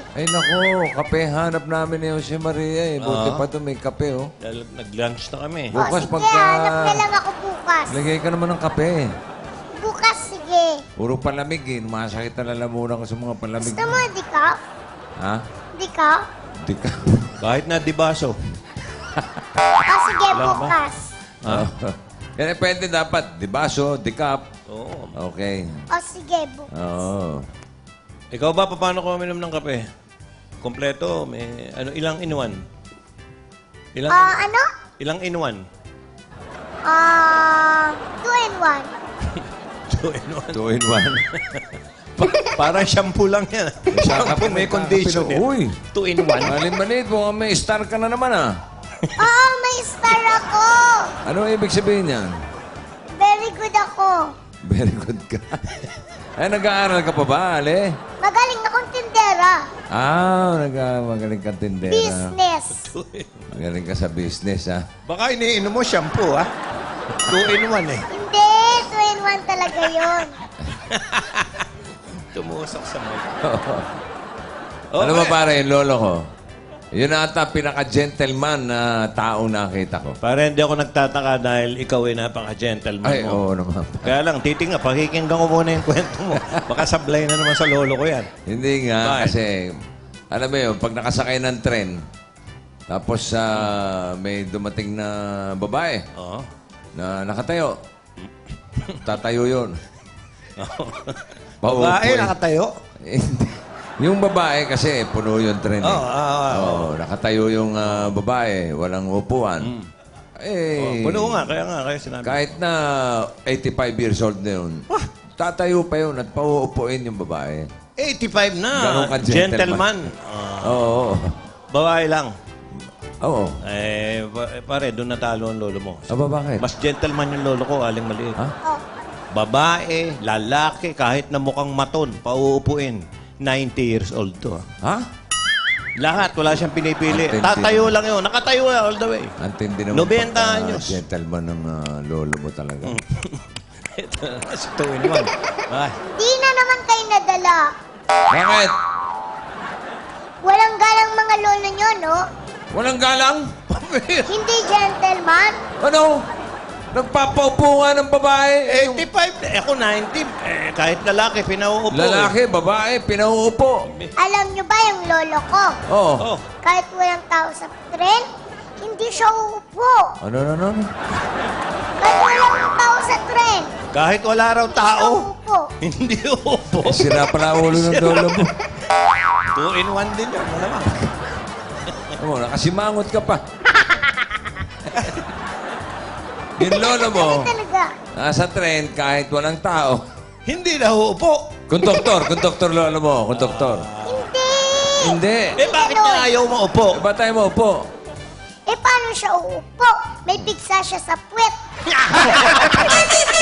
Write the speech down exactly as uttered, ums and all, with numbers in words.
Ay, nako, kape. Hanap namin ni Jose Maria eh. Buti Oo. pa ito may kape, oh. Dahil nag-lunch na kami. O, Bukas sige, pagka- hanap na lang ako bukas. Lagay ka naman ng kape. Bukas, sige. Puro palamig eh. Masakit na lalamunan ko sa mga palamig. Gusto mo, di ka? Ha? Di ka? Di ka. Kahit na dibaso. O, sige, Wala ba? bukas. Ah. Yan eh, pwede dapat. Dibaso, dikap. Oo. Okay. O, sige, bukas. Oo. Ikaw ba, paano ko uminom ng kape? Kompleto, may ano, ilang in one? Ilang, Ah, ano? ilang in one? Ah, two and one. Two in one. Two in one. Pa- parang shampoo lang yan. Shampoo may condition yan. Uy! Two in one. Malimbanit mo. May star ka na naman ah. Oo, may star ako. Ano ibig sabihin yan? Very good ako. Very good ka. Ay, nag-aaral ka pa ba, Ale? Magaling akong tindera. Ah, nag magaling ka tindera. Business. Magaling ka sa business, ha? Baka iniinom mo shampoo, ha? Two in one, eh. Hindi, two and one talaga yun. Tumusok sa mic. Ano ba pare, yung lolo ko? Yun ata pinaka-gentleman na taong nakita ko. Para hindi ako nagtataka dahil ikaw ay napaka-gentleman Ay, mo. oo naman. Kaya lang, titinga, pakikinggan ko muna yung kwento mo. Baka sablay na naman sa lolo ko yan. Hindi nga, Bakit? kasi, alam mo yun, pag nakasakay ng tren, tapos ah, may dumating na babae Oo. na nakatayo, tatayo yun. Babae, nakatayo? Hindi. Yung babae kasi, puno yung tren. Oo, eh. ah, ah, Oo, nakatayo yung ah, babae, walang upuan. Eh, Oh, puno nga, kaya nga, kaya sinabi. kahit na eighty-five years old na yun, tatayo pa yun at pauupuin yung babae. eighty-five na. Ganun ka, gentleman. Gentleman. Ah, Oo. babae lang. Oo. Eh, pa- pare, doon natalo ang lolo mo. Aba, bakit? Mas gentleman yung lolo ko, aling maliit. Ha? Oh, Babae, lalaki, kahit na mukhang maton, pauupuin. ninety years old to. ah. Ha? Lahat, wala siyang pinipili. Ang tindi. Tatayo lang yun. Nakatayo yan all the way. Ang tindi naman Nobenta pagka anyos. gentleman ng ah, lolo mo talaga. Ito na, si two in one. Ay, di na naman kayo nadala. Bakit? Walang galang mga lolo nyo, no? Walang galang? Hindi gentleman. Ano? Nagpapaupo nga ng babae. Eh, yung eighty-five. Eh, ako ninety. Eh, kahit lalaki, pinauupo. lalaki, babae, pinauupo. Alam nyo ba yung lolo ko? Oo. Oh. Kahit walang tao sa tren, hindi siya uupo. Ano, ano, ano? Kahit walang tao sa tren, Kahit wala raw siya tao, uupo. hindi uupo. Eh, sira pala ulo ng lolo mo. Two in one din yun. Malamang. Ano, nakasimangot ka pa. Yung lolo mo, Ano talaga? nasa tren kahit walang tao. Hindi na uupo. Konduktor, konduktor lolo mo, konduktor. Hindi! Hindi. Eh, bakit niya ayaw mo upo? Eh, ba't tayo mo upo? Eh, paano siya uupo? May bigsa siya sa puwet.